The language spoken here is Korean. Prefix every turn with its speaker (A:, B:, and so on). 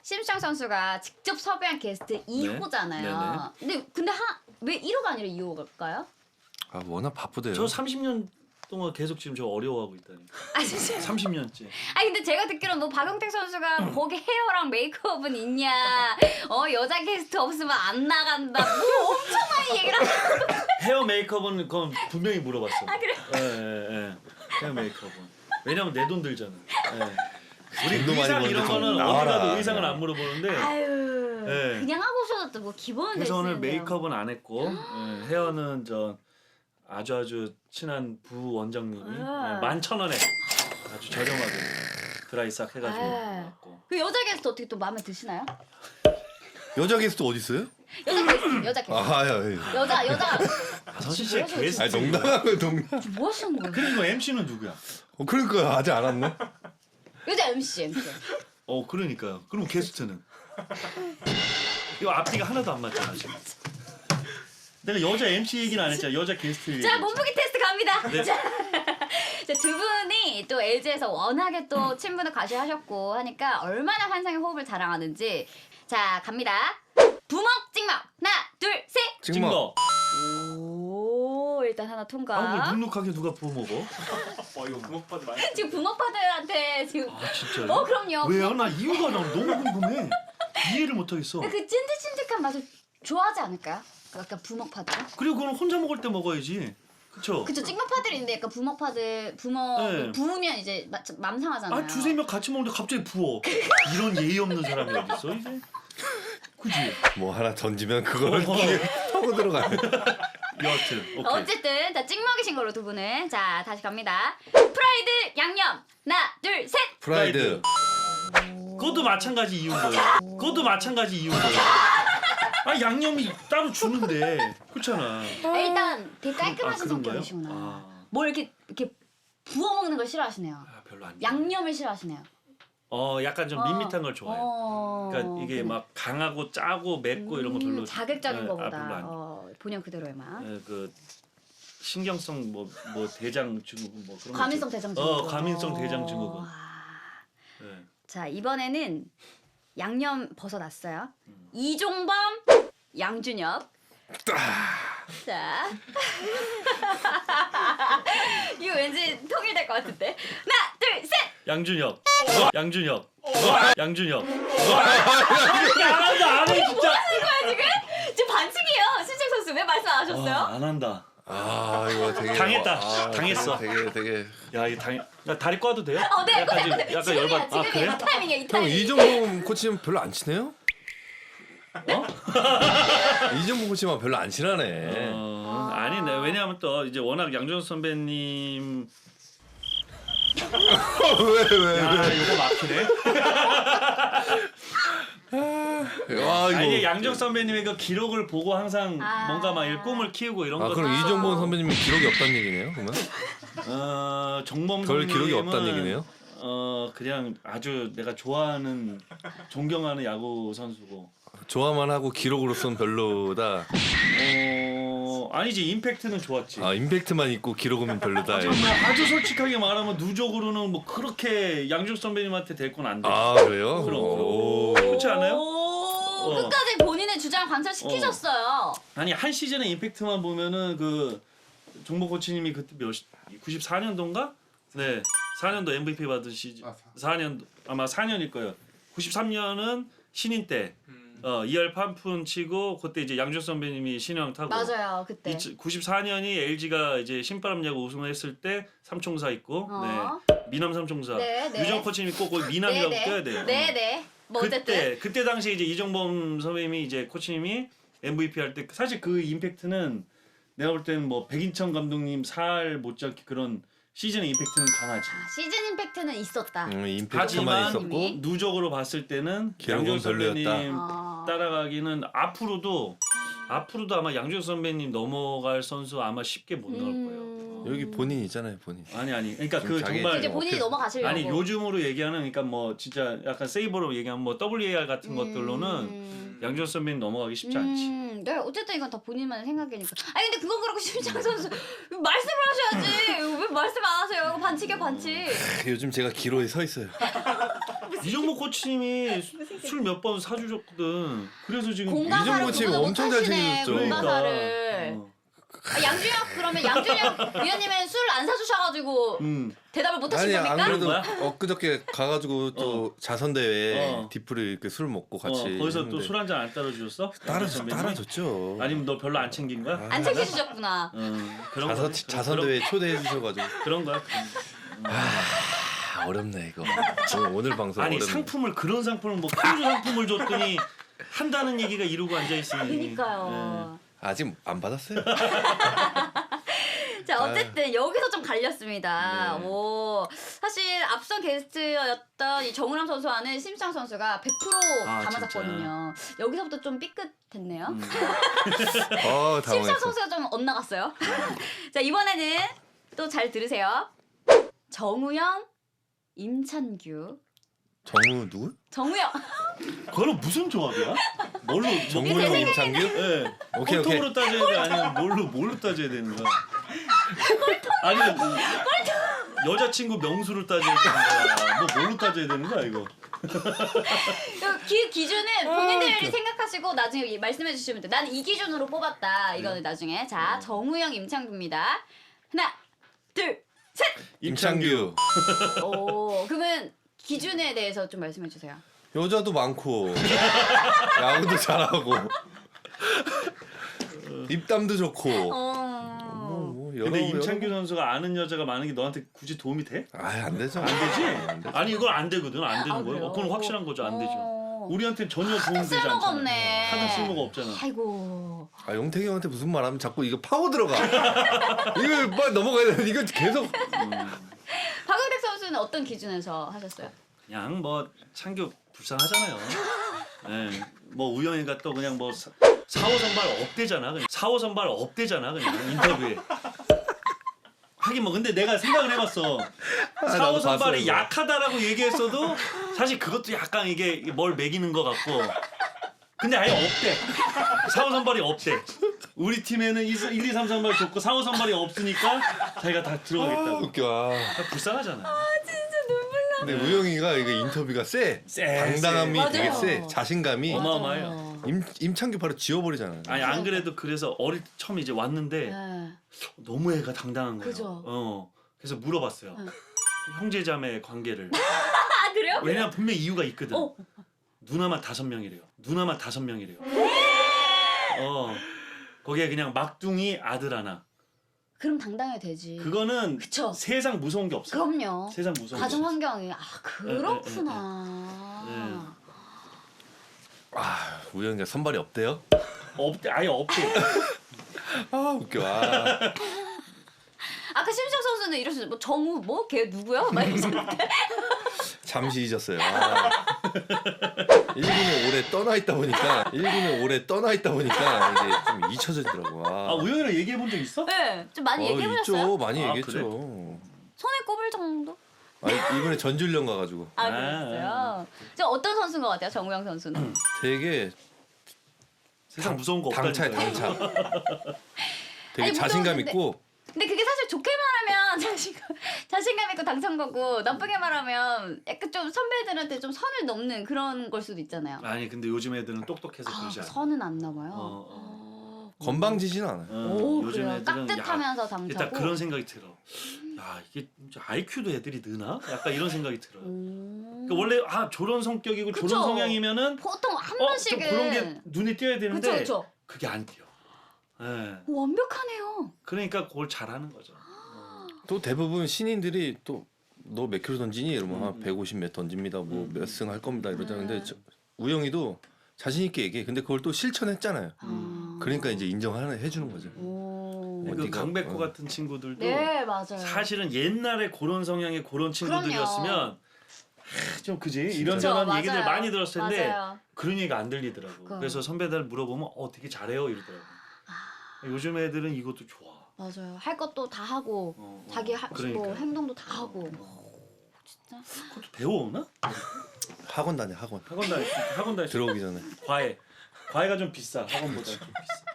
A: 심수창 선수가 직접 섭외한 게스트 2호잖아요. 근데 왜 1호가 아니라 2호일까요?
B: 아 워낙 바쁘대요.
C: 저 30년 동안 계속 지금 저 어려워하고 있다니.
A: 아 진짜.
C: 30년째.
A: 아니 근데 제가 듣기로는 뭐 박용택 선수가 거기 헤어랑 메이크업은 있냐, 여자 게스트 없으면 안 나간다, 뭐 엄청 많이 얘기를 하시고.
C: 헤어 메이크업은 그건 분명히 물어봤어.
A: 아 그래?
C: 예. 헤어 메이크업은. 왜냐면 내 돈 들잖아. 예. 우리
B: 돈도 많이
C: 의상 이런
B: 버는데
C: 거는
B: 좀
C: 어디
B: 나와라.
C: 가도 의상을 안 물어보는데.
A: 아유,
C: 네.
A: 그냥 하고 오셔도 뭐 기본은
C: 그래서 오늘
A: 됐는데요.
C: 메이크업은 안 했고 헤어는 저 아주 친한 부원장님이
A: 아.
C: 11,000원에 아주 저렴하게 드라이 싹 해가지고
A: 아.
C: 왔고.
A: 그 여자 게스트 어떻게 또 마음에 드시나요?
B: 여자 게스트 어디 있어요?
A: 여자 게스트.
B: 아, 예.
A: 여자.
C: 선신 씨의 게스트.
B: 아니 농담하고 농담.
A: 뭐 하시는 거예요?
C: 그리고 MC는 누구야?
B: 그러니까 아직 안 왔네.
A: 여자 MC.
C: 그러니까요. 그럼 게스트는 이거 앞뒤가 하나도 안 맞잖아 지금. 내가 여자 MC 얘기는 안 했잖아. 여자 게스트 얘기.
A: 자, 몸무게 테스트 갑니다.
C: 네.
A: 자, 두 분이 또 LG에서 워낙에 또 친분을 과시하셨고 하니까 얼마나 환상의 호흡을 자랑하는지. 자, 갑니다. 부먹 찍먹. 하나, 둘, 셋.
C: 찍먹.
A: 오, 일단 하나 통과.
C: 아, 눅눅하게 누가 부어 먹어?
D: 이거 부먹파들 많이.
A: 지금 부먹파들한테 지금.
C: 아 진짜요?
A: 그럼요.
C: 왜요? 나 이유가 너무 궁금해. 이해를 못 하겠어.
A: 그 찐득찐득한 맛을 좋아하지 않을까요? 약간 부먹파들.
C: 그리고 그건 혼자 먹을 때 먹어야지. 그쵸?
A: 그쵸, 찍먹파들인데 약간 부먹파들
C: 네.
A: 부으면 이제 맘 상하잖아요.
C: 아 두세 명 같이 먹는데 갑자기 부어. 이런 예의 없는 사람이 어딨어 이제? 그지?
B: 뭐 하나 던지면 그걸 타고 들어가네.
C: 여하튼 오케이.
A: 어쨌든 다 찍먹이신 걸로 두 분은. 자, 다시 갑니다. 프라이드 양념. 하나, 둘, 셋.
B: 프라이드.
C: 그것도 마찬가지 이유인 거예요. 그것도 마찬가지 이유인 거예요. 아 양념이 따로 주는데 그렇잖아.
A: 일단 되게 깔끔하신
C: 그런가요?
A: 성격이시구나.
C: 아.
A: 뭘 이렇게 부어 먹는 걸 싫어하시네요.
C: 아, 별로 안.
A: 양념을 싫어하시네요.
C: 약간 좀 밋밋한 걸 좋아해요. 그러니까 이게 막 강하고 짜고 맵고 이런 거 별로.
A: 자극적인
C: 네,
A: 거보다
C: 별로 안.
A: 본연 그대로의 맛.
C: 그 신경성 뭐 대장 증후군 뭐 그런 거
A: 과민성
C: 있죠.
A: 대장 증후군.
C: 과민성 대장 증후군.
A: 와.
C: 네.
A: 자, 이번에는 양념 벗어났어요. 이종범, 양준혁. 자. 이거 왠지 통일될 것 같은데. 하나, 둘, 셋.
C: 양준혁. 양준혁. 양준혁. 안 해 진짜.
A: 지금 반칙이에요. 신청 선수 왜 말씀 안 하셨어요?
C: 안 한다.
B: 아 이거 되게
C: 당했다. 당했어.
B: 되게.
C: 야, 이 나 다리 꽈도 돼요?
A: 네,
C: 약간 지금 약간
A: 지금이야,
C: 열받.
A: 지금이야.
C: 그래?
A: 이 타이밍이야, 이
B: 형
A: 타이밍.
B: 이정범 코치는 별로 안 친해요?
C: 어?
B: 이정범 코치만 별로 안 친하네.
C: 아니네. 왜냐하면 또 이제 워낙 양준혁 선배님.
B: 왜?
C: 야, 이거 막히네.
B: 와 이거.
C: 아니 양준혁 선배님의 그 기록을 보고 항상
A: 아.
C: 뭔가 막 꿈을 키우고 이런
B: 아
C: 거.
B: 그럼 이정범 선배님은 기록이 없다는 얘기네요, 그러면?
C: 정범
B: 별
C: 선배님은
B: 기록이 없다는 얘기네요.
C: 그냥 아주 내가 좋아하는 존경하는 야구 선수고.
B: 좋아만 하고 기록으로서는 별로다.
C: 아니지 임팩트는 좋았지.
B: 아 임팩트만 있고 기록은 별로다.
C: 정말 아주 솔직하게 말하면 누적으로는 뭐 그렇게 양준혁 선배님한테 될 건 안 돼.
B: 아 그래요?
C: 그럼.
B: 오.
C: 그렇지 않아요?
A: 끝까지 본인의 주장 관철시키셨어요.
C: 아니 한 시즌의 임팩트만 보면은 그 종복 코치님이 그때 94년도인가? 네, 4년도 MVP 받은 시즌. 4년 아마 4년일 거예요. 93년은 신인 때 2할 판푼 치고 그때 이제 양준혁 선배님이 신형 타고.
A: 맞아요, 그때.
C: 94년이 LG가 이제 신바람 야구 우승을 했을 때 삼총사 있고, 네, 미남 삼총사.
A: 네, 네.
C: 유정 코치님이 꼭 거기 미남이라고 껴야 돼요.
A: 네네. 뭐 어쨌든.
C: 그때 당시에 이제 이정범 선배님이 이제 코치님이 MVP 할 때 사실 그 임팩트는 내가 볼 때는 뭐 백인천 감독님 살 못지않게 그런 시즌의 임팩트는 강하지.
A: 시즌 임팩트는 있었다.
B: 임팩트만
C: 하지만
B: 있었고
C: 누적으로 봤을 때는
B: 기록은
C: 양준혁 선배님
A: 별로였다.
C: 따라가기는 앞으로도 아마 양준혁 선배님 넘어갈 선수 아마 쉽게 못 나올 거예요.
B: 여기 본인 있잖아요, 본인.
C: 아니 그러니까
B: 좀
C: 그
B: 자기
C: 정말
A: 이제 본인이 넘어가시려고.
C: 아니 요즘으로 얘기하는 그러니까 뭐 진짜 약간 세이버로 얘기하면 뭐 WAR 같은 것들로는 양준혁 선배님 넘어가기 쉽지 않지.
A: 네, 어쨌든 이건 다 본인만의 생각이니까. 아니 근데 그건 그렇고 심창 선수 말씀을 하셔야지. 왜 말씀 안 하세요? 이거 반칙이야 반칙.
B: 요즘 제가 기로에 서 있어요.
C: 이정모 코치님이 술 몇 번 사주셨거든. 그래서 지금
A: 공가사를
B: 이정모 팀
A: 그거보다
B: 엄청 잘
A: 못하시네,
B: 챙겨줬죠.
A: 공가사를.
C: 어.
A: 아, 양준혁 그러면 양준혁 위원님은 술 안 사주셔가지고 대답을 못하신
B: 아니 안
A: 겁니까?
B: 그래도
C: 거야?
B: 엊그저께 가가지고 또 자선 대회 디프를 이렇게 술 먹고 같이
C: 거기서 또
B: 했는데
C: 술 한 잔 안 따라주셨어?
B: 따라줬죠.
C: 아니면 너 별로 안 챙긴 거야?
A: 안 챙겨주셨구나.
C: 그런
B: 자선
C: 거지.
B: 자선
C: 그런-
B: 대회 초대해 주셔가지고
C: 그런 거야.
B: 어렵네 이거. 오늘 방송
C: 아니
B: 어렵네.
C: 상품을 그런 상품을 뭐 크루즈 상품을 줬더니 한다는 얘기가 이러고 앉아 있으니.
A: 그니까요.
B: 아직 안 받았어요.
A: 자 어쨌든 여기서 좀 갈렸습니다.
C: 네.
A: 오 사실 앞선 게스트였던 이 정우람 선수와는 심창 선수가 100%
C: 아,
A: 다 맞았거든요. 여기서부터 좀 삐끗했네요. 심창
B: 당황했어.
A: 선수가 좀 엇나갔어요. 자 이번에는 또 잘 들으세요. 정우영, 임찬규.
B: 정우 누구?
A: 정우영.
C: 그거는 무슨 조합이야? 뭘로?
B: 정우영 임창규?
C: 예.
B: 오케이, 오케이.
C: 홀통으로 따져야 돼 아니면 뭘로 따져야 되는 거야? 아니면 여자친구 명수를 따져야 되는 거야? 뭐 뭘로 따져야 되는 거야 이거?
A: 기준은 본인들이 생각하시고 나중에 말씀해 주시면 돼요. 난 이 기준으로 뽑았다. 이거는 나중에. 자 정우영, 임창규입니다. 하나, 둘, 셋.
B: 임창규.
A: 오 그러면 기준에 대해서 좀 말씀해 주세요.
B: 여자도 많고 야구도 잘하고 입담도 좋고 뭐 여러
C: 근데 임창규
B: 여러-
C: 선수가 아는 여자가 많은 게 너한테 굳이 도움이 돼?
B: 아이 안 되죠.
C: 안 되지? 아니 이건 안 되거든. 안 되는
A: 아,
C: 거예요.
A: 그래요?
C: 그건 확실한 거죠. 안 되죠.
A: 어.
C: 우리한테 전혀 도움 되지 않잖아.
A: 쓸모가 없네.
C: 하는 쓸모가 없잖아.
A: 아이고.
B: 아 용택이 형한테 무슨 말하면 자꾸 이거 파고 들어가. 이걸 빨리 넘어가야 돼. 이거 계속
A: 박은택 선수는 어떤 기준에서 하셨어요?
C: 그냥 뭐 창규 불쌍하잖아요. 예. 뭐 우영이가 또 그냥 뭐 4호 선발 업대잖아. 그냥 4호 선발 업대잖아. 그냥 인터뷰에. 하긴 뭐 근데 내가 생각을 해봤어. 4호
B: 나도
C: 선발이
B: 봤어요,
C: 약하다라고 얘기했어도 사실 그것도 약간 이게 뭘 매기는 것 같고. 근데 아예 없대. 4호 선발이 없대. 우리 팀에는 1, 2, 3 선발 좋고 4호 선발이 없으니까 자기가 다
B: 아,
C: 들어가겠다고.
B: 웃겨.
C: 불쌍하잖아.
B: 근데 우영이가 이거 인터뷰가 세.
C: 세,
B: 당당함이
A: 세.
B: 되게
A: 맞아요.
B: 세. 자신감이
C: 어마어마해요.
B: 임창규 바로 지워버리잖아.
C: 아니 안 그래도 그래서 처음 이제 왔는데
A: 네.
C: 너무 애가 당당한 거예요.
A: 그죠.
C: 그래서 물어봤어요. 형제자매 관계를.
A: 아 그래요?
C: 왜냐면 분명 이유가 있거든.
A: 어.
C: 누나만 5명이래요. 누나만 5명이래요. 거기에 그냥 막둥이 아들 하나.
A: 그럼 당당해야 되지.
C: 그거는
A: 그쵸.
C: 세상 무서운 게 없어요.
A: 그럼요.
C: 세상 무서운 게
A: 가정
C: 없어요.
A: 환경이 그렇구나.
B: 아 우영이가 선발이 없대요?
C: 없대 아예 없대.
B: 아 웃겨. 아.
A: 아까 심창 선수는 이러셨어요. 뭐 정우 뭐 걔 누구야? 막 이러셨는데.
B: 잠시 잊었어요. 아. 1군에 오래 떠나 있다 보니까 이게 좀 잊혀지더라고.
C: 아 우영이랑 얘기해 본 적 있어?
A: 네, 좀 많이 얘기해 보셨어요?
B: 있죠. 많이
C: 아,
B: 얘기했죠.
A: 손에 꼽을 정도?
B: 아니, 이번에 전주련 가가지고
A: 아 그랬어요. 저 어떤 선수인 것 같아요, 정우영 선수는?
B: 되게
C: 세상 무서운 거 없다니까.
B: 당차야 당차. 되게
A: 아니,
B: 자신감
A: 무서운데-
B: 있고
A: 근데 그게 사실 좋게 말하면 자신감 있고 당찬 거고 나쁘게 말하면 약간 좀 선배들한테 좀 선을 넘는 그런 걸 수도 있잖아요.
C: 아니 근데 요즘 애들은 똑똑해서
A: 아,
C: 그러지 않아.
A: 선은 안 넘어요.
B: 건방지진 않아요.
A: 오
C: 요즘
A: 그래요.
C: 애들은
A: 깍듯하면서
C: 일단
A: 당차고.
C: 그런 생각이 들어. 야 이게 진짜 IQ도 애들이 느나? 약간 이런 생각이 들어요. 그러니까 원래 저런 성격이고
A: 그쵸.
C: 저런 성향이면은
A: 보통 한
C: 좀
A: 번씩은
C: 그런 게 눈에 띄어야 되는데
A: 그쵸.
C: 그게 안 띄어. 예.
A: 완벽하네요.
C: 그러니까 그걸 잘하는 거죠.
B: 또 대부분 신인들이 또 너 몇 킬로 던지니 이러면 한 150몇 던집니다. 뭐 몇 승 할 겁니다 이러자는데 우영이도 자신 있게 얘기해. 근데 그걸 또 실천했잖아요. 그러니까 이제 인정해 주는 거죠.
A: 오.
C: 그
B: 네가-
C: 강백호 같은 친구들도
A: 네 맞아요.
C: 사실은 옛날에 그런 성향의 그런 친구들이었으면 좀 그지 이런저런
A: 그쵸,
C: 얘기들
A: 맞아요.
C: 많이 들었을 텐데
A: 맞아요.
C: 그런 얘기가 안 들리더라고. 그래서 선배들 물어보면 되게 잘해요 이러더라고. 요즘 애들은 이것도 좋아.
A: 맞아요. 할 것도 다 하고 자기
C: 그러니까.
A: 뭐 행동도 다 하고. 진짜.
C: 그것도 배워오나?
B: 학원 다녀 학원.
C: 학원 다닐
B: 들어오기 전에.
C: 과외가 좀 비싸. 학원보다 좀 비싸.